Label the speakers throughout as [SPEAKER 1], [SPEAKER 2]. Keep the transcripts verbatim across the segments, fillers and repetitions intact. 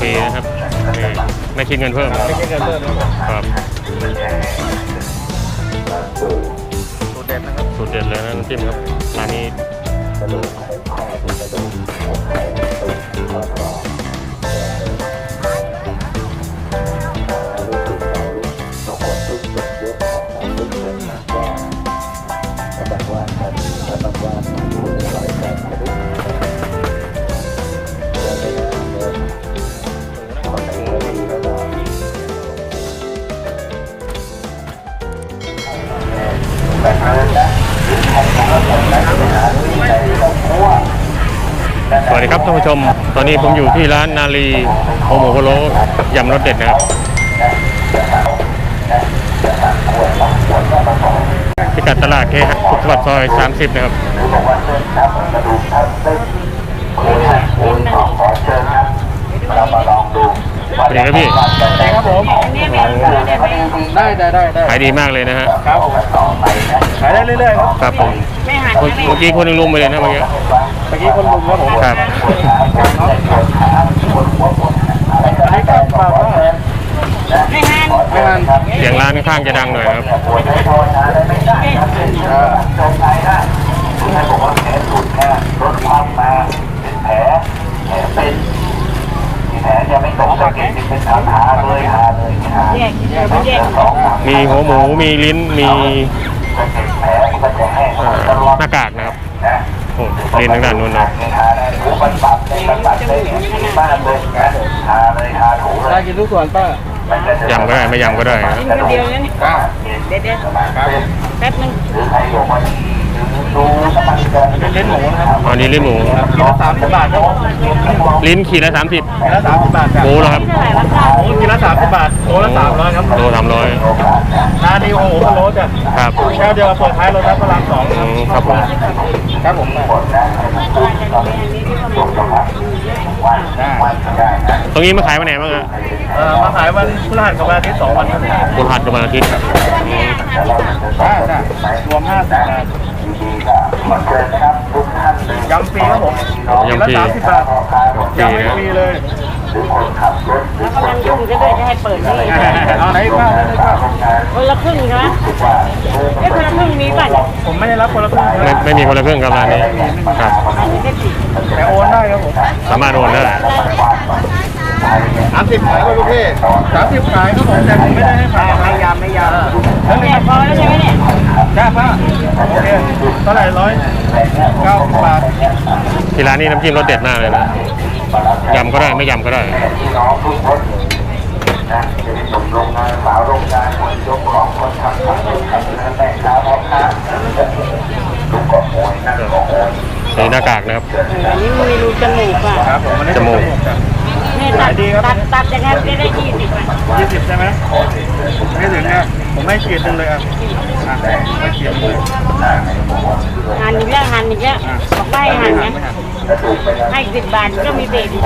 [SPEAKER 1] รีนะครับไม่คิดเงินเพิ่มไม่คิดเงินเพิ่มครับสูตรเด็ดนะครับสูตรเด็ดเลยนะน้ำจิ้มครับร้านนี้สวัสดีครับท่านผู้ชมตอนนี้ผมอยู่ที่ร้านนาลีโอโมโกโรยำรสเด็ดนะครับพิกัดตลาดเคหะสุขสวัสดิ์ซอยสามสิบนะครับเป็นไงครับพี่ได้ครับผมได้ได้ได้ขายดีมากเลยนะฮะครับขายได้เรื่อยๆครับครับผมเมื่อกี้คนนึงลุมไปเลยนะเมื่อกี้เมื่อกี้คนลุมครับผมครับไม่หันไม่หันเสียงร้านข้างจะดังหน่อยครับมีหัวหมูมีลิ้นมีหน้ากากนะครับโอ้ลิ้นทางด้านนู้นนะได้กินทุกส่วนป้ายำก็ได้ไม่ยำก็ได้กินคนเดียวนี่เด็ดเด็ดแป๊บนึงลิ้นหมูนะครับอันนี้ลิ้นหมูขีดละสามสิบบาทครับลิ้นขีดละสามสิบขีดละสามสิบบาทครับหมูเหรอครับหมูขีดละสามสิบบาทโลละสามร้อยครับโลสามร้อยร้านนี้โอ้โหโลจ้ะครับแค่เดียวเปิดท้ายรถรับพลังสองครับผมครับผมตรงนี้มาขายวันไหนบ้างอะเออมาขายวันพฤหัสกับวันอาทิตย์สองวันครับพฤหัสกับวันอาทิตย์รวมห้าสิบบาทยำฟรีครับผมยำฟรีสามสิบบาทยำฟรีเลยแล้วกำลังยุ่งจะด้วยจะให้เปิดนี่เอาไหนบ้างคนละครึ่งใช่ไหมเอ๊ะคนละครึ่งมีป่ะผมไม่ได้รับคนละครึ่งไม่ไม่มีคนละครึ่งครับร้านนี้ครับแต่โอนได้ครับผมสามารถโอนได้สามสิบขายก็ลูกพี่สามสิบขายครับผมแต่ผมไม่ได้ให้ขายไม่ยำไม่ยำแล้วเนี่ยพอแล้วใช่ไหมเนี่ยจ้าป้าโอเคเท่าไหร่ร้อยเก้าบาทที่ร้านนี้น้ำจิ้มรสเด็ดมากเลยนะยำก็ได้ไม่ยำก็ได้นี่หน้ากากนะครับอันนี้มีรูจมูกอ่ะครับผมจมูกนี่ตัดตัดตัดยังไงได้ได้ยี่สิบอ่ะยี่สิบใช่ไหมไม่ถึงนะผมไม่ขีดนึงเลยอ่ะไม่ขีดเลยหั่นอีกแล้วหั่นอีกแล้วบอกไม่หั่นนะให้สิบบาทก็มีเบรกดี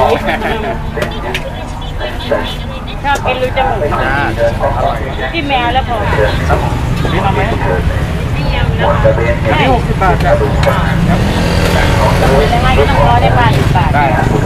[SPEAKER 1] ชอบกินรูจมูกที่แมวแล้วพอนี่ทำไหมนี่ยำแล้วนี่หกสิบบาทครับยังไงก็ต้องรอได้บาทสิบบาทได้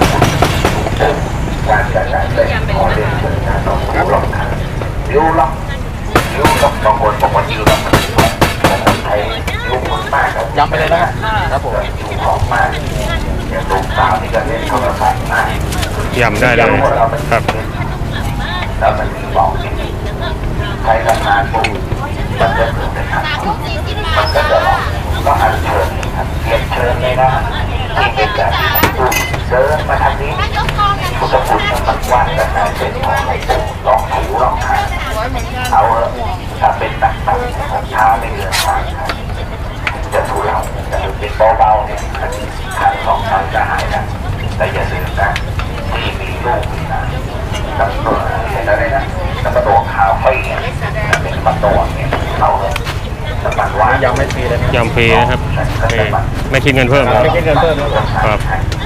[SPEAKER 1] การจัดการเป็นของเล่นครับยูล็อกยูล็อกบางคนบางคนยูล็อกใช้ยูคนมากครับย้ำไปเลยนะครับผมยูของมากอย่างลูกสาวนี่ก็เล่นโทรศัพท์มากย้ำได้เลยครับแล้วมันมีบอกใครทำงานปุ๊บมันจะเกิดในทางมันก็จะหลอกก็อันเชิญครับเรียนเชิญเลยนะที่เป็นแบบเชิญมาทางนี้พุทธคุณมันกว้างแต่การเป็นของลองถูลองทานเอาถ้าเป็นหนักๆช้าไม่เกินทางจะถูเราแต่เป็นเบาๆเนี่ยทางสองทางจะหายนะแต่อย่าลืมนะที่มีลูกนะกับตัวเห็นอะไรนะกับตัวขาวไฟเนี่ยเป็นประตูเนี่ยเราสมัครว่ายำไม่ฟรีเลยยำฟรีนะครับไม่คิดเงินเพิ่มไม่คิดเงินเพิ่มครับ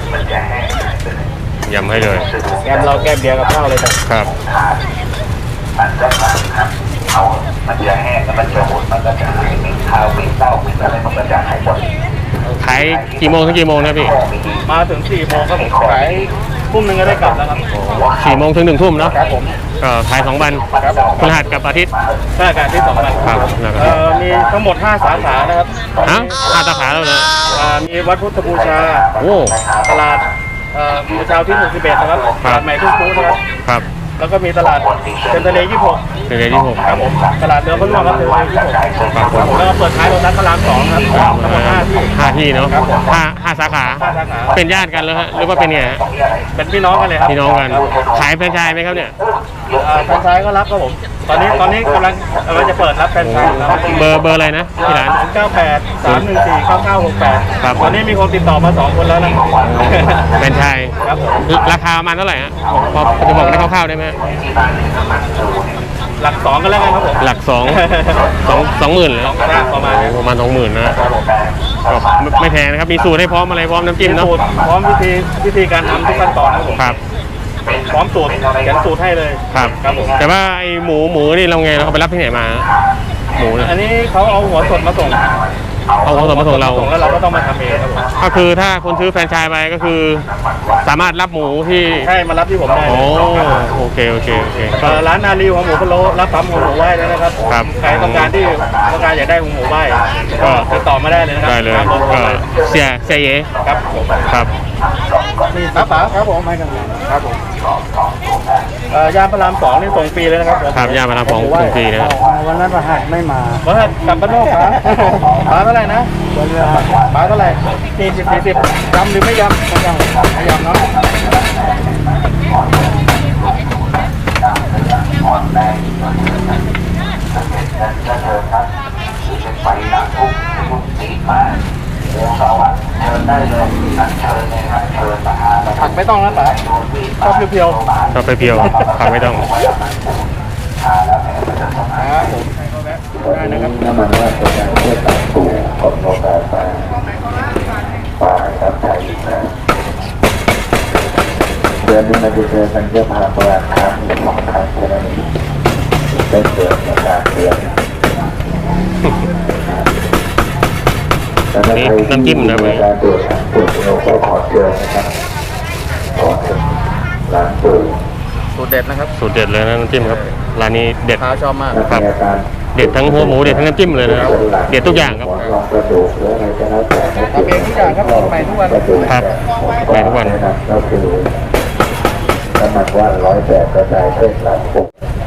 [SPEAKER 1] ยำให้เลยแก้มเราแก้มเดียวกับข้าวเลยครับมันจะมาครับเขามันจะแห้งแล้วมันจะหดมันก็จะหายมีข้าวมีเต้ามีอะไรมันก็จะหายหมดขายกี่โมงถึงกี่โมงนะพี่มาถึงสี่โมงก็ขาย
[SPEAKER 2] ทุ่มหนึ่งก็ได้กลับแล้วครับ
[SPEAKER 3] สี่โมงถึงหนึ่งทุ่มเนาะ
[SPEAKER 2] ครับผม
[SPEAKER 3] ก็ขายสองวัน
[SPEAKER 2] ครับผม
[SPEAKER 3] พฤหัสกับอาทิตย์
[SPEAKER 2] ราชการที่สองวัน
[SPEAKER 3] ครับแล้วก็
[SPEAKER 2] เอ่อมีทั้งหมดห้าสาขานะครับ
[SPEAKER 3] ฮะห้าสาขาแล้วเลย
[SPEAKER 2] อ่ามีวัดพุทธบูชา
[SPEAKER 3] โอ้
[SPEAKER 2] ตลาดเอ่อบูชาที่หมู่สิบเอ็ดนะครับตลาดใหม่ทุ่งคูนะครับ
[SPEAKER 3] ครับ
[SPEAKER 2] แล้วก็มีตลาดเซ็นทรัลเลย์ยี่สิบหก
[SPEAKER 3] เป็นเดือนที่หก
[SPEAKER 2] ครับผมตลาดเรือพระร่วงครับเรือยี่สิบหกครับผมแล้วก็เปิดท้ายโรงนัดพระรามสองครับทั้งหมดห้าที่
[SPEAKER 3] ห้าที่เนาะห้าห้าสาขา
[SPEAKER 2] ห้าสาขา
[SPEAKER 3] เป็นญาติกันเลยฮะหรือว่าเป็นไงฮะ
[SPEAKER 2] เป็นพี่น้องกันเลยครับ
[SPEAKER 3] พี่น้องกัน
[SPEAKER 2] ครับ
[SPEAKER 3] ขายแฟรนไชส์ไหมครับเนี่ย
[SPEAKER 2] อ่าแฟรนไชส์ก็รับครับผมตอนนี้ตอนนี้กำลังกำลังจะเปิดรับแฟรนไชส์แล้ว
[SPEAKER 3] เบอร์เบอร์อะไรนะที่ร้าน
[SPEAKER 2] ศูนย์เก้าแปด สามหนึ่งสี่ เก้าเก้าหกแปด
[SPEAKER 3] ครับ
[SPEAKER 2] ตอนนี้มีคนติดต่อมาสองคนแล้วนะ
[SPEAKER 3] แฟรนไชส์
[SPEAKER 2] ครับผม
[SPEAKER 3] ราคาประมาณเท่าไหร่ฮะพอจะบอกได้คร่าวๆได้ไหม
[SPEAKER 2] หลักสองกันแล้วกันครับผม
[SPEAKER 3] หลักสองสองสองหมื่นเลย
[SPEAKER 2] สองกระด้างประมาณนี้
[SPEAKER 3] ประมาณสองหมื่นนะก็ไม่ไม่แพงนะครับมีสูตรให้พร้อมอะไรพร้อมน้ำจิ้มเนาะ
[SPEAKER 2] สูตรพร้อมวิธีวิธีการทำทุกขั้นตอนครับผม
[SPEAKER 3] ครับ
[SPEAKER 2] พร้อมสูตรเขียนสูตรให้เลย
[SPEAKER 3] ครับ
[SPEAKER 2] ครับผม
[SPEAKER 3] แต่ว่าไอหมูหมูนี่เราไงเราเอาไปรับที่ไหนมาหมูเนี่ย
[SPEAKER 2] อันนี้เขาเอาหัวสดมาส่ง
[SPEAKER 3] เอาของสดมาส่งเรา
[SPEAKER 2] ส่งแล้วเราก็ต้องมาทำเองครับผม
[SPEAKER 3] ก็คือถ้าคนซื้อแฟรนไชส์ไปก็คือ สามารถรับหมูที่
[SPEAKER 2] ใช่มารับที่ผมได้
[SPEAKER 3] โอ้
[SPEAKER 2] เลย
[SPEAKER 3] โอเคโอเคโอเค
[SPEAKER 2] เอ่อร้านนาลีหัวหมูพะโล้รับทำหัวหมูไหว้แล้วนะครับ
[SPEAKER 3] ครับ
[SPEAKER 2] ใครต้องการที่ต้องการอยากได้หัวหมูไหว้ก็ติดต่อมาได้เลยนะครั
[SPEAKER 3] ได้เลย
[SPEAKER 2] ตามบอร์โทร
[SPEAKER 3] ก็
[SPEAKER 2] ไป
[SPEAKER 3] เสียเสียเย
[SPEAKER 2] ครับผม
[SPEAKER 3] ครับ
[SPEAKER 2] นี่ครับป๋าครับผมให้กันครับผมเอ่อยามพระรามสองนี่ส่งฟรีเลยนะครับผม
[SPEAKER 3] ครับย่ามาทำของส่งฟรีนะฮะ
[SPEAKER 2] วันนั้นประหัสไม่มาประหัสกลับบ้านนอกครับป๋าเท่าไหร่นะป๋าเท่าไหร่สี่สิบสี่สิบยำหรือไม่ยำไม่ยำไม่ยำเนาะ
[SPEAKER 1] ไปนั่งทุกทุกสีมาโอ้สวัสดิ์เชิญได้เลยนั่งเชิญเลยครับเชิญมาหาแล้ว
[SPEAKER 2] ผักไม่ต้องนะป๋าชอบเพียว
[SPEAKER 3] ชอบไปเพียวผักไม่ต้อง
[SPEAKER 2] ๆครับผมได้นะครับ
[SPEAKER 1] น้ำมันว่าเป็นการเพื่อตัดสูงของโลกาสาปลาครับไทยนะเดือนนี้มันจะเจอกันเยอะมากประมาณครั้งหรือสองครั้งแค่นั้นเองได้เกิดในการเดือน
[SPEAKER 3] นี่น้ำจิ้มนะเว้ย
[SPEAKER 1] การตรวจตรวจเราก็ขอเชิญนะครับขอเชิญร้านปู่
[SPEAKER 2] สูตรเด็ดนะครับ
[SPEAKER 3] สูตรเด็ดเลยนะน้ำจิ้มครับร้านนี้เด็ด
[SPEAKER 2] ค้าชอบมาก
[SPEAKER 3] ครับเด็ดทั้งหัวหมูเด็ดทั้งน้ำจิ้มเลยนะครับเด็ดทุกอย่างครับ
[SPEAKER 1] ลองกระดูกหรืออะไรก็แล้วแต่
[SPEAKER 2] ทำเองทุกอย่างครับใหม่ทุกวัน
[SPEAKER 3] ครับใหม่ทุกวัน
[SPEAKER 1] นะครับก็คือน้ำมันว่านร้อยแปดกระจายเส้นหลังปุ๊บ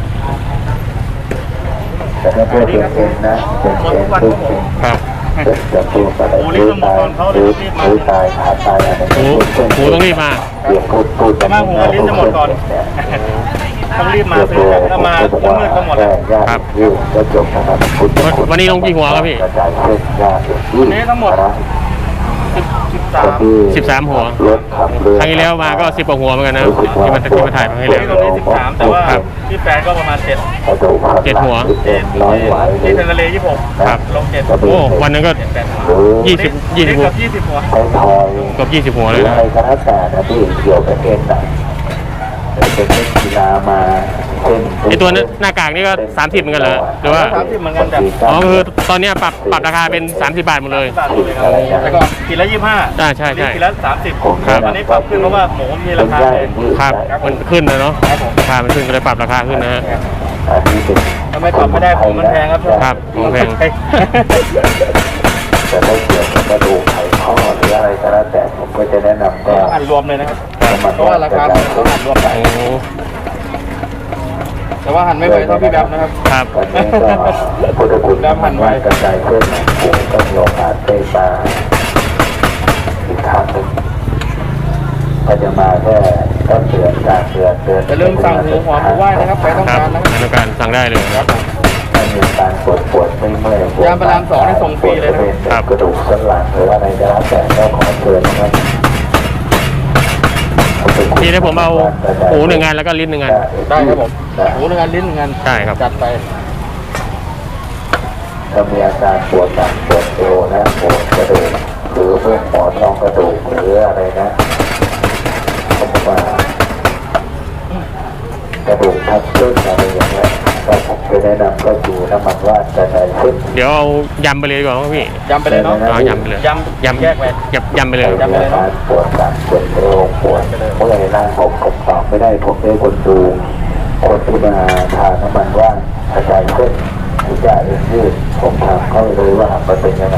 [SPEAKER 1] แต่ถ้าเพื่อเป็นเองนะเป็นเองปุ๊บ
[SPEAKER 3] ครับ
[SPEAKER 1] จะพูดอะไรหรือตายหรือหรือตายขาดตายอะไร
[SPEAKER 3] หมูหมูต้องรีบมา
[SPEAKER 1] เดี๋ยวพูดพูด
[SPEAKER 2] แต่ว่าหัวลิ้นจะหมดก่อน ต้องรีบมาซื้อถ้ามามืดๆก็หมดแล้ว
[SPEAKER 3] ครับ
[SPEAKER 1] ก็จบนะครับ
[SPEAKER 3] วันวันนี้ลงกี่หัวครับพี่
[SPEAKER 1] กระจายเส้นยา
[SPEAKER 2] วันนี้ทั้งหมด สิบสาม
[SPEAKER 3] สิบสามหัว
[SPEAKER 1] รถขับเรือ
[SPEAKER 3] ครั้งที่แล้วมาก็สิบกว่าหัวเหมือนกันนะที่มาที่มาถ่ายมาให้
[SPEAKER 2] วัน
[SPEAKER 3] แล้ว
[SPEAKER 2] นี้ตรงนี้สิบสามแต่ว่าที่แฟนก็ประมาณเจ็ด
[SPEAKER 3] เจ็ดหัว
[SPEAKER 1] น้อยไหว
[SPEAKER 2] ที่เทนทะเลยี่สิบหก
[SPEAKER 3] ครับ
[SPEAKER 2] ลงเจ็ด
[SPEAKER 3] โอ้วันนั้นก็
[SPEAKER 2] เจ็ดแปดหัว
[SPEAKER 3] ยี่สิบยี่สิบหัว
[SPEAKER 2] เกือบยี่สิบหัว
[SPEAKER 1] ใช้ทอย
[SPEAKER 3] เกือบยี่สิบหัว
[SPEAKER 1] ห
[SPEAKER 3] เล
[SPEAKER 1] รื
[SPEAKER 3] ย
[SPEAKER 1] อ
[SPEAKER 3] นะ
[SPEAKER 1] อะไรก็แล้วแต่นะที่เกี่ยวกับเอ็นน่ะเป็นเล่นกีฬามาเช่น
[SPEAKER 3] ไอตัวนั้นหน้ากากนี่ก็สามสิบเหมือนกันเหรอหรือว่า
[SPEAKER 2] สามสิบเหมือนกันแต่
[SPEAKER 3] อ๋อคือตอนเนี้ยปรับปรับราคาเป็นสามสิบบาทหมดเลย
[SPEAKER 2] บาทเลยครับแล้วก็กินละยี่สิบห้า
[SPEAKER 3] อ่าใช่ใช่
[SPEAKER 2] กินละสามสิบ
[SPEAKER 3] ครับ
[SPEAKER 2] อันนี้ปรับขึ้นเพราะว่าหมูมีราคาแพง
[SPEAKER 3] ครับมันขึ้นนะเนาะ
[SPEAKER 2] ครับผม
[SPEAKER 3] ราคามันขึ้นก็เลยปรับราคาขึ้นนะฮะ
[SPEAKER 1] อันนี้เป็น
[SPEAKER 2] ทำไมปรับไม่ได้ผมมันแพงครับ
[SPEAKER 3] ครับผมแพง
[SPEAKER 1] แต่ถ้าเกี่ยวกับกระดูกไขข้อหรืออะไรก็แล้วแต่ผมก็จะแนะนำก็
[SPEAKER 2] อ่านรวมเลยนะครับ
[SPEAKER 1] น้ำมัน
[SPEAKER 2] เพราะว่าราคามันต้องอ่านรวมไป
[SPEAKER 3] โอ้
[SPEAKER 2] แต่ว่าหันไม่ไหวเท่าพี่แบบนะครับ
[SPEAKER 3] ครับ
[SPEAKER 1] วันนี้ก็พุทธคุณน้ำมันว่ากระจายเส้นหนังปูก็มีโอกาสได้มาอีกครั้งหนึ่งก็จะมาแค่ต้นเดือนกลางเดือนเดือน
[SPEAKER 2] อย่าลืมสั่งหมูหอมหมูไหว้นะครับใครต้อง
[SPEAKER 3] ครับ
[SPEAKER 2] การนะครับ
[SPEAKER 3] ต้องการสั่งได้เลยครับ
[SPEAKER 1] ถ้ามีการปวดปวดไม่เมื่อยปวด
[SPEAKER 2] ยามพารามสองนี่ส่งฟรีเลยนะครับ
[SPEAKER 1] กระดูกสันหลังหรือว่าอะไรก็แล้วแต่ก็ขอเชิญนะครับ
[SPEAKER 3] พี่ได้ผมเอาหมูหนึ่งงานแล้วก็ลิ้นหนึ่งงาน
[SPEAKER 2] ได้ครับผมหมูหนึ่งอันลิ้นหนึ่งอัน
[SPEAKER 3] ได้ครับ
[SPEAKER 2] จัดไป
[SPEAKER 1] ถ้ามีอาการปวดหลังปวดเอวนะปวดกระดูกหรือเพื่อนหมอนรองกระดูกหรืออะไรนะเขาบอกว่ากระดูกทับเส้นอะไรอย่างเงี้ยก็ผมจะแนะนำก็คือน้ำมันว่านกระจายขึ้น
[SPEAKER 3] เดี๋ยวเอายำไปเลยดีกว่าครับพี่
[SPEAKER 2] ยำไปเลยเนาะ
[SPEAKER 3] เอายำไปเลย
[SPEAKER 2] ยำ
[SPEAKER 3] ยำ
[SPEAKER 2] แยกไป
[SPEAKER 3] ยำยำไปเลย
[SPEAKER 2] ยำไปเลยเนอะ
[SPEAKER 1] ปวดหลังปวดเอวปวดเมื่อยร่างผมผมตอบไม่ได้ผมได้คนดูคนที่มาทานน้ำมันว่านกระจายขึ้นที่จะเอ็นยืดผมถามเขาเลยว่ามันเป็นยังไง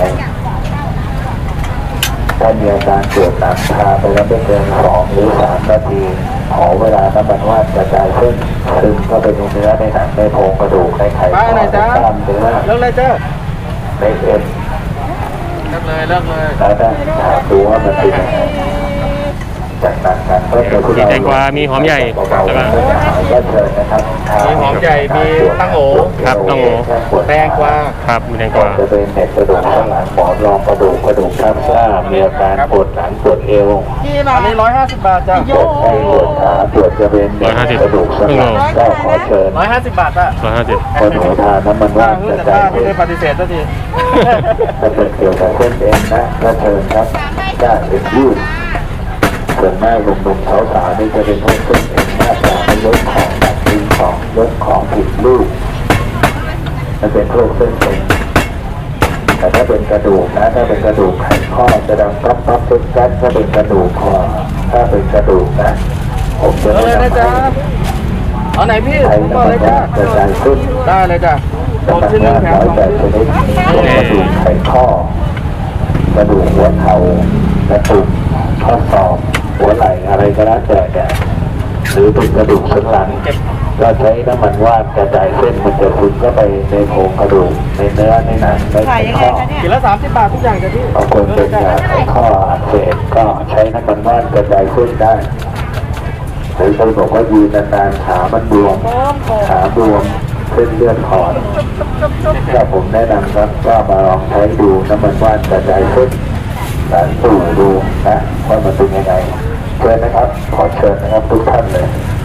[SPEAKER 1] ถ้ามีอาการปวดหลังทาไปแล้วไม่เกินสองหรือสามนาทีขอเวลาน้ำมันว่านกระจายขึ้นซึมเข้าไปในเนื้อในหนังในโครงกระดูกในไข
[SPEAKER 2] ไป
[SPEAKER 1] ข้อ
[SPEAKER 2] ไหน
[SPEAKER 1] ใน
[SPEAKER 2] จ๊ะ
[SPEAKER 1] กล้ามเนื้อ
[SPEAKER 2] เลิกเลยเจ้า
[SPEAKER 1] ในเอ็น
[SPEAKER 2] เลิกเลยเลิกเลย
[SPEAKER 1] แล้วถ้าถามดูว่ามันเป็นยังไงจากนั้นการเพิ่ม
[SPEAKER 3] มีแตงกวามีหอมใหญ่แล้วก็
[SPEAKER 1] ก็เชิญนะครับ
[SPEAKER 2] มีหอมใหญ่มีตั้งโอ
[SPEAKER 3] ครับตั้งโอ
[SPEAKER 2] แตงกวา
[SPEAKER 3] ครับมีแตงกวา
[SPEAKER 1] จะเป็นเน็ตกระดูกข้างหลังหมอนรองกระดูกกระดูกทับเส้นมีอาการปวดหลังปวดเอว
[SPEAKER 2] อันนี้ร้อยห้าสิบบาทจ้ะ
[SPEAKER 1] ปวดแข้งปวดขาปวดจะเป็นเน็ตกระดูกสันหลังก็ขอเชิญ
[SPEAKER 2] ร้อยห้าสิบบาทอ่ะ
[SPEAKER 3] ร้อยห้าสิบ
[SPEAKER 1] คนหัวทานน้ำมัน
[SPEAKER 2] ป้า
[SPEAKER 1] ว่าน
[SPEAKER 2] เพิ่
[SPEAKER 1] ก
[SPEAKER 2] ง
[SPEAKER 1] ระ
[SPEAKER 2] แต่
[SPEAKER 1] จา
[SPEAKER 2] ป้าย ไม่
[SPEAKER 1] ขึ้น
[SPEAKER 2] ได้ปฏิเสธสักที
[SPEAKER 1] ถ้าเป็นเกี่ยวกับเส้นเอ็นนะก็เชิญครับด้านเอ็นยืดส่วนมากหนุ่มๆสาวๆนี่จะเป็นพวกเส้นเอ็นมากกว่าไม่ลดของหนักดึงของลดของผิดรูปมันเป็นพวกเส้นเอ็นแต่ถ้าเป็นกระดูกนะถ้าเป็นกระดูกไขข้อจะดังปั๊บปั๊บปึ๊บกัดถ้าเป็นกระดูกคอถ้าเป็นกระดูกนะผมจะ
[SPEAKER 2] เลิกเลย
[SPEAKER 1] แนะ
[SPEAKER 2] นะ
[SPEAKER 1] นำ
[SPEAKER 2] จ๊ะ
[SPEAKER 1] ให้
[SPEAKER 2] เอาไหนพี่
[SPEAKER 1] ใช้
[SPEAKER 2] ผมบ
[SPEAKER 1] น้ำ
[SPEAKER 2] อก
[SPEAKER 1] มั
[SPEAKER 2] เล
[SPEAKER 1] น
[SPEAKER 2] ยจ้ะ
[SPEAKER 1] ว่านกระจายขึ้น
[SPEAKER 2] ได้เลยจ้ะโดน
[SPEAKER 1] น้ำมัน
[SPEAKER 2] ชิ้นหนึ่
[SPEAKER 1] ว่าง น
[SPEAKER 2] แถม
[SPEAKER 1] ร้อย
[SPEAKER 2] สอง
[SPEAKER 1] แปดชนิดพวกกระดูกไขข้อ กระดูกหัวเข่ากระดูกข้อศอกหัวไหล่อะไรก็แล้วแต่เนี่ยหรือเป็นกระดูกสันหลังก็ใช้น้ำมันว่านกระจายเส้นมันจะซึมเข้าไปในโครงกระดูกในเนื้อในหนังในไขข้อ
[SPEAKER 2] กินละสามสิบบาททุกอย่างจ้ะพี่
[SPEAKER 1] บางคนเป็นยาไขข้ออักเสบก็ใช้น้ำมันว่านกระจายเส้นได้หรือคนบอกว่ายืนนานๆขามันบวมขาบวมเส้นเลือดขอดก็ผมแนะนำครับว่ามาลองใช้ดูน้ำมันว่านกระจายเส้นการสู่ดูนะว่ามันเป็นยังไงเชิญนะครับ ขอเชิญนะครับทุกท่านเลย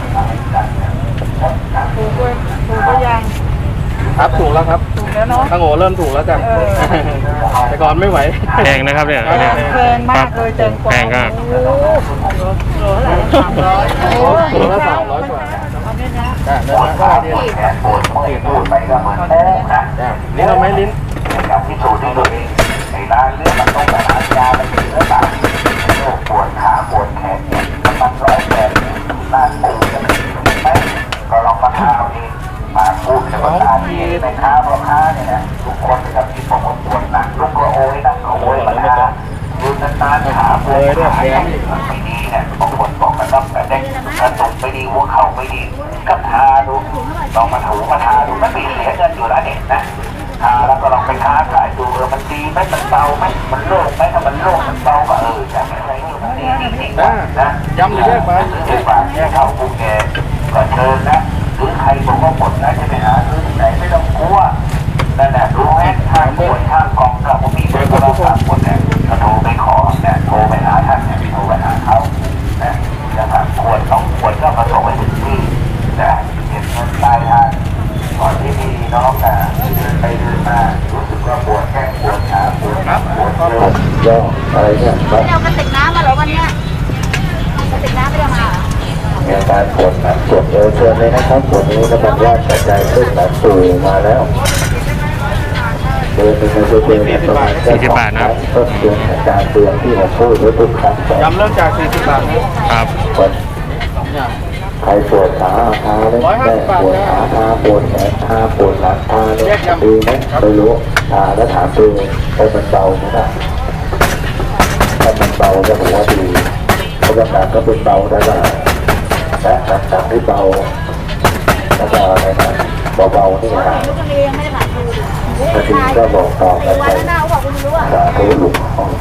[SPEAKER 4] ถูกเลยถูกก็ยัง
[SPEAKER 2] ครับถูกแล้วครับ
[SPEAKER 4] ถูกแล้วเนาะ
[SPEAKER 2] ตั้งโง่เริ่มถูกแล้วจ้ะแต่ก่อนไม่ไหว
[SPEAKER 3] แพงนะครับเนี่ย
[SPEAKER 2] แพง
[SPEAKER 4] แพงมากเลยแตงกวา
[SPEAKER 3] แพงครับ
[SPEAKER 4] โอ้โหโลเท่าไหร่สามร้อยโอ้
[SPEAKER 2] ถูกละสามร้อยกว่า
[SPEAKER 4] เอาเนี่ยนะ
[SPEAKER 2] จ้ะเดินมาก็ดี
[SPEAKER 1] แขนปวดเมื่อยปวดไปก็เหมือนโป๊กนะ
[SPEAKER 2] จ้ะลิ้นเอาไหมลิ้น
[SPEAKER 1] อย่างที่สูตรที่ตัวเองในร้านเรื่องมันต้องไปหายาไปกินหรือเปล่าโรคปวดขาปวดแขนเนี่ยมันร้อยแปดร้านตื่นจะไม่ไหมก็ลองมาทาเอาเองมาพูดกับตาที่ในค้าพ่อค้าเนี่ยนะทุกคนนะครับที่บอกว่าปวดหนักลุกก็โอยนั่งก็โอยมาทายืนนานๆขาปวดขาเนี่ยไม่ดีเนี่ยบางคนบอกกระดับกระเด้งกระตุกไม่ดีหัวเข่าไม่ดีก็ทาดูลองมาถูมาทาดูไม่มีเสียเงินอยู่แล้วเนี่ยนะทาแล้วก็ลองไปค้าขายดูเออมันดีไหมมันเบาไหมมันโล่งไหมถ้ามันโล่งมันเบาก็เออจะไม่ใช่มันดีจริงๆ
[SPEAKER 2] นะ
[SPEAKER 1] นะ
[SPEAKER 2] ยำหรือแยกไป
[SPEAKER 1] ซื้อฝากแค่เข้าภูเก็ตก็เชิญนะหรือใครบอกว่าหมดนะจะไปหาซื้อที่ไหนไม่ต้องกลัวนั่นแหละรู้ไหมข้างปวดข้างกองกับผมมีเบอร์โทรศัพท์คนเนี่ยก็โทรไปขอเนี่ยโทรไปหาท่านเนี่ยโทรไปหาเขาเนี่ยจะถามขวดต้องขวดก็มาส่งไปถึงที่นะเก็บเงินปลายทางก่อนที่มีน้องอ่ะเดินไปเดินมารู้สึกว่าปวดแข้งปวดขาปวดปวดเอวอะไรเนี่ย
[SPEAKER 4] ไม่เอากระติกน้ำมาเหรอวันเนี้ยกระติกน้ำไม่ได้มาเหรอ
[SPEAKER 1] มีอาการปวดหลังปวดเอวเชิญเลยนะครับปวดนี้น้ำมันว่านกระจายขึ้นหลังสู่มาแล้วเดินไปในตัวเองประมาณต้นเดือนอาการเตือนที่ผมพูดไว้ทุกครั้ง
[SPEAKER 2] ยำเริ่มจากสี่สิบบาทนะครับ
[SPEAKER 1] ปวดใครปวดขาเท้าเลยแม่ปวดขาเท้าปวดแขนเท้าปวดหลังเท้าเนี่ยดีไหมไม่รู้ทาแล้วถามตัวเองว่ามันเบาไหมล่ะถ้ามันเบาก็ถือว่าดีเพราะว่าการก็เป็นเบาได้ละและหลังจากที่เบาแล้วก็อะไรนะเบาๆนี่นะ
[SPEAKER 4] ลูกคนนี้ยังไม่ได้ผ่านดูดิ
[SPEAKER 1] บางทีก็บอกต่อกันไป
[SPEAKER 4] วันหน้าเขาบอกคุณรู้อ่ะ
[SPEAKER 1] สาธุหลุมของ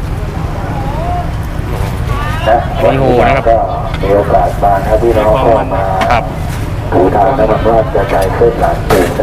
[SPEAKER 1] นะวันนี้ก็มีโอกาสมาถ้าพี่น้องเข้ามา
[SPEAKER 3] ครับ
[SPEAKER 1] ถูทางแล้วมันว่ากระจายเคลื่อนหลังตื่นได้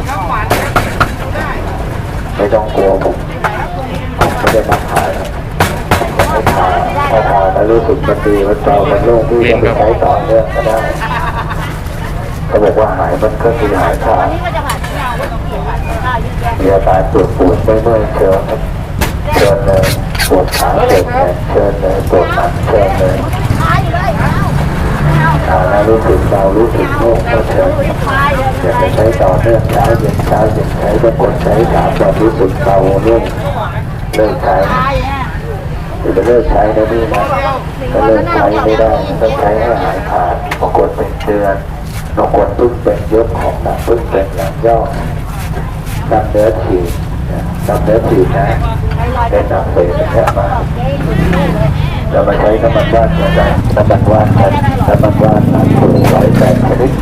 [SPEAKER 1] ไม่ต้องกลัวผมผมไม่ได้มาขายผมไม่ขายพอทานแล้วรู้สึกมันดีมันเบามันโล่งที่จะไปใช้ต่อเนื่องก็ได้เขาบอกว่าหายมันก็คือหายขาด
[SPEAKER 4] นี่ก็จะผ่านที่เราก็ต้องเขียนผ่านข้าวยิ่งแย่
[SPEAKER 1] มีอาการปวดปวดไม่เมื่อยเชิญเชิญเลยปวดขาปวดแขนเชิญเลยปวดหลังเชิญเลย
[SPEAKER 4] ขายอยู่เลยเอาไม่เอา
[SPEAKER 1] อ่าแล้วรู้สึกเบารู้สึกโล่งก็เชิญอยากจะใช้ต่อเนื่องเช้าเย็นเช้าเย็นใช้บางคนใช้สามวันรู้สึกเบาโล่งเลิกใช้หรือจะเลิกใช้แล้วนี่นะถ้าเลิกใช้ไม่ได้ต้องใช้ให้หายขาดบางคนเป็นเดือนบางคนเพิ่งเป็นยกของหนักเพิ่งเป็นหลังย่อดำเนื้อฉีดดำเนื้อฉีดนะได้นำไปแค่มาเรามาใช้น้ำมันว่านกันน้ำมันว่านกันน้ำมันว่านหลังตัวร้อยแปดชนิด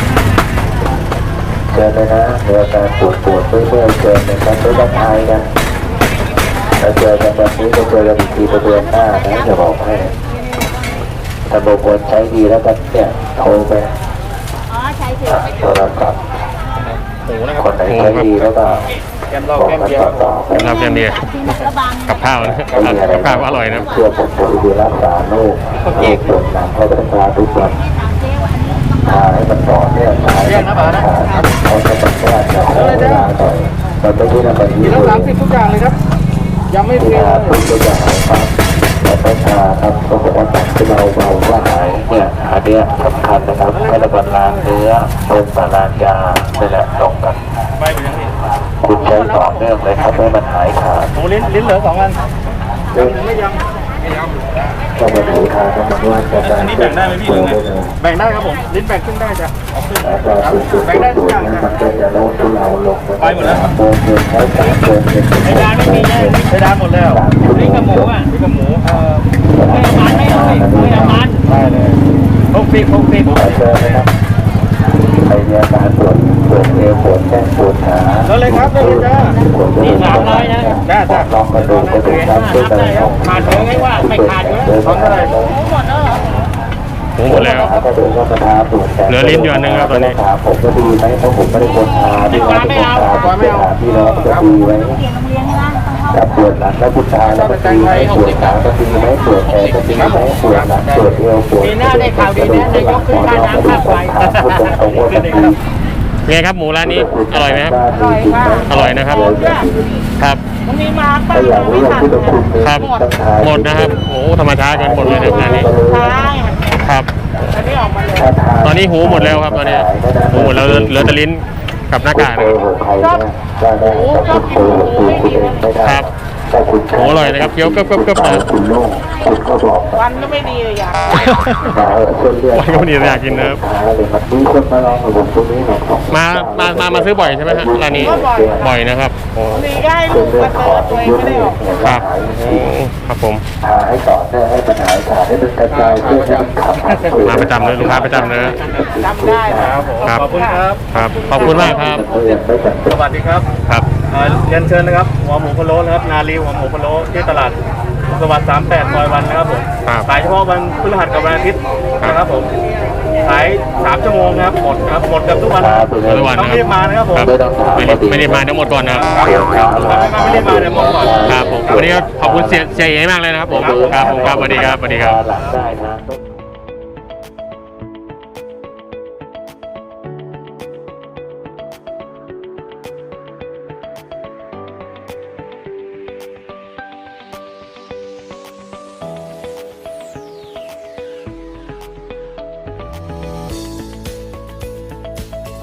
[SPEAKER 1] เชิญเลยนะเรือการปวดปวดเมื่อยเมื่อยเชิญเลยครับไม่ต้องทายกันเราเจอกันวันนี้จะเจอกันอีกทีประเดือนหน้านะจะบอกให้ถ้าบางคนใช้ดีแล้วก็เนี่ยโทรไป
[SPEAKER 4] อ๋อใช่สิ
[SPEAKER 1] โทรศัพท์
[SPEAKER 2] หมูนะครับ
[SPEAKER 1] คนไหนใช้ดีแล้วก็
[SPEAKER 2] แกมเหล้า
[SPEAKER 1] บอก
[SPEAKER 2] แกม
[SPEAKER 1] กัน
[SPEAKER 2] เบียร์
[SPEAKER 1] ต่อๆไป
[SPEAKER 3] ครับอย่างดี
[SPEAKER 4] ที่มันระบาง
[SPEAKER 3] กับข้าวนะกับข้าวอร่อยนะ
[SPEAKER 1] เชื่อผมบริเวณรักษาโรคโรคปวดหลังเขาต้องทาทุกวันทาให้มันต่อเนี่ยทาให้มันขาดเขาจะต้องแก้จะขอเวลาหน่อยมันไม่ใช่ทำแบบนี้
[SPEAKER 2] กิน
[SPEAKER 1] เล
[SPEAKER 2] แล้วสาม
[SPEAKER 1] ย
[SPEAKER 2] สิบทุกอย่างเลยครับยังไม่เพีย
[SPEAKER 1] ทาทุกอย่างครับแต่ต้องทาครับเขาบอกว่าตัดที่เราเบาว่าหายเนี่ยอันเนี้ยสำคัญนะครับให้ระบายล้างเนื้อลงสารล้างยานี่แหละตรงกัน
[SPEAKER 2] ไปเป็นยังไง
[SPEAKER 1] คุณใช้ต่อเนื่องเลยครับให้มันหายขาด
[SPEAKER 2] หมูลิ้นลิ้นเหลือสองอันยำหรือไม่ยำ
[SPEAKER 1] ก็มาถือทางกันมาว่าจะได้
[SPEAKER 2] อันนี้แบ่งได้ไหมพี่หรือไงแบ่งได้ครับผมลิ้นแบ่งครึ่งได้จ้ะเอาครึ่ง
[SPEAKER 1] แล้วก็สุดสุด
[SPEAKER 2] แบ่งได้ทุ
[SPEAKER 1] สุ
[SPEAKER 2] ก
[SPEAKER 1] ด
[SPEAKER 2] อย่าง
[SPEAKER 1] นั้น
[SPEAKER 2] จ้ะ
[SPEAKER 1] มันก็จะโน้มทุเราลง
[SPEAKER 2] ไปหมดแล้ว
[SPEAKER 1] โมงเงินใช้สามเดือนเป็น
[SPEAKER 2] ไอ้ดานไม่มีเลยไอ้ดานหมดแล้วลิ้นกับหมูอ่ะลิ้นกับหมูเออไม่เอามันไม่เอาไม่เอามันได้เลยหกสิบหกสิบ
[SPEAKER 1] ไปเจอนะครับใครมีอาการปวดปวดเอวปวดแข้งปวดขา
[SPEAKER 2] แล้วเลยครับได้เลยจ้า
[SPEAKER 1] นี่สามร้อยนะลองกระดูกกระดูกครับช่วยกันครับ
[SPEAKER 2] ขาดเลยไงว่าไม่ขาดเลยทำเท่าไหร่
[SPEAKER 3] หมูหมดแล้ว
[SPEAKER 1] ก็ดูว่าประทาปวดแขน
[SPEAKER 3] เหลือลิ้นอยู่อันหนึ่งครับตอนนี้
[SPEAKER 1] ถามผมก็ดีไหมเพราะผมไม่ได้คนทาที่ว่าเป็นคนทาผมจะถามพี่น้องจะดีไหม
[SPEAKER 4] เปลี่ยนโรงเรียนใช่ไหม
[SPEAKER 1] ถ้าปวดหลังแล้วคุณตาแล้วมันดีไหมปวดขาก็ดีไหมปวดแขนก็ดีไหมปวดหลังปวดเอวปวด
[SPEAKER 2] ปีหน้าได้ข่าวดีนะนายกขึ้นค่าน้ำค่าไฟ
[SPEAKER 1] พูดตรงๆว่ามันดี
[SPEAKER 3] ไงครับหมูร้านนี้อร่อยไหมครับ
[SPEAKER 1] อร่อยค่ะ
[SPEAKER 3] อร่อยนะครับ ครับ
[SPEAKER 4] มันมีมาป้า
[SPEAKER 1] ถ้าอยากรู้ว่าคุณคุณ
[SPEAKER 3] ครับ หมดนะครับโอ้ธรรมชาติกันหมดเลยในร้านนี้
[SPEAKER 4] ใช่
[SPEAKER 3] ครับ
[SPEAKER 4] อันนี้ออกมาเลย
[SPEAKER 3] ตอนนี้หูหมดแล้วครับตอนนี้หูหมดแล้วเหลือเหลือแต่ลิ้นกับหน้ากากนะครับ
[SPEAKER 1] ได้ได้ถ้าคุณโตคุณคุณเองไม่ได้
[SPEAKER 3] ครับ
[SPEAKER 1] ถ้าคุณ
[SPEAKER 3] โอ้อร่อยนะครับเคี้ยวกึบๆๆนะ
[SPEAKER 1] คุณโล่งคุณก็บอก
[SPEAKER 4] วันก็ไม่ดีเลยอย่าง
[SPEAKER 1] มาเออเส้นเลือด
[SPEAKER 3] วันก็ไม่ดีอยากกินนะครับ
[SPEAKER 1] เลยมันมีคนมาลองกับผมตรงนี้หน่อยครับ
[SPEAKER 3] มา มา มา มาซื้อบ่อยใช่ไหมฮะร้านนี้ บ่อยนะครับ โอ้
[SPEAKER 4] ดีได้
[SPEAKER 1] เส้
[SPEAKER 4] ลู
[SPEAKER 1] น
[SPEAKER 4] ก
[SPEAKER 1] เลือ
[SPEAKER 4] มา
[SPEAKER 1] ด
[SPEAKER 4] เจ
[SPEAKER 1] ข
[SPEAKER 4] อ
[SPEAKER 1] อด
[SPEAKER 4] ตัวเอง
[SPEAKER 1] เยอะ
[SPEAKER 4] ไม่
[SPEAKER 1] เล
[SPEAKER 4] ได้
[SPEAKER 1] ย
[SPEAKER 4] ออก
[SPEAKER 3] ครับโอ้ครับผม
[SPEAKER 1] ทาให้ต่อเนื่องให้มันหายขาดให้มันกระจายเพื่อให้มันขับ
[SPEAKER 3] มาประจำเลยลูกค้าประจำเลย
[SPEAKER 4] จำได้นะครับ
[SPEAKER 3] ครับ
[SPEAKER 2] ขอบคุณครับ
[SPEAKER 3] ครับ ขอบคุณมากครับ
[SPEAKER 2] สวัสดีครับ
[SPEAKER 3] ครับ
[SPEAKER 2] เอ่อเรียนเชิญนะครับหัวหมูพะโล้นะครับนาลีหัวหมูพะโล้ที่ตลาดสวัสดิ์สามแปดซอยวันนะครับผม
[SPEAKER 3] ครับ
[SPEAKER 2] ขายเฉพาะวันพฤหัสกับวันอาทิตย์นะครับผมขายสามชั่วโมงนะครับหมดครับหมดเกับทุกวันนะครับ
[SPEAKER 3] ทุกวัน
[SPEAKER 2] ต้อ
[SPEAKER 3] นะ
[SPEAKER 2] ง
[SPEAKER 3] ค
[SPEAKER 2] รี
[SPEAKER 3] รั
[SPEAKER 2] บบ มานะครับผม
[SPEAKER 3] ครับไม่ได้ไม่ได้มาทั้งหมดก่อนนะครับ
[SPEAKER 2] ถ้าไม่ได้มาเนี่ยหมดก่อน
[SPEAKER 3] ครับผมวันนี้ก็ขอบคุณเสียเสียเอมากเลยนะครับผม ครับผมครับสวัสดีครับสวัสดีครับ
[SPEAKER 1] หลังได้นะ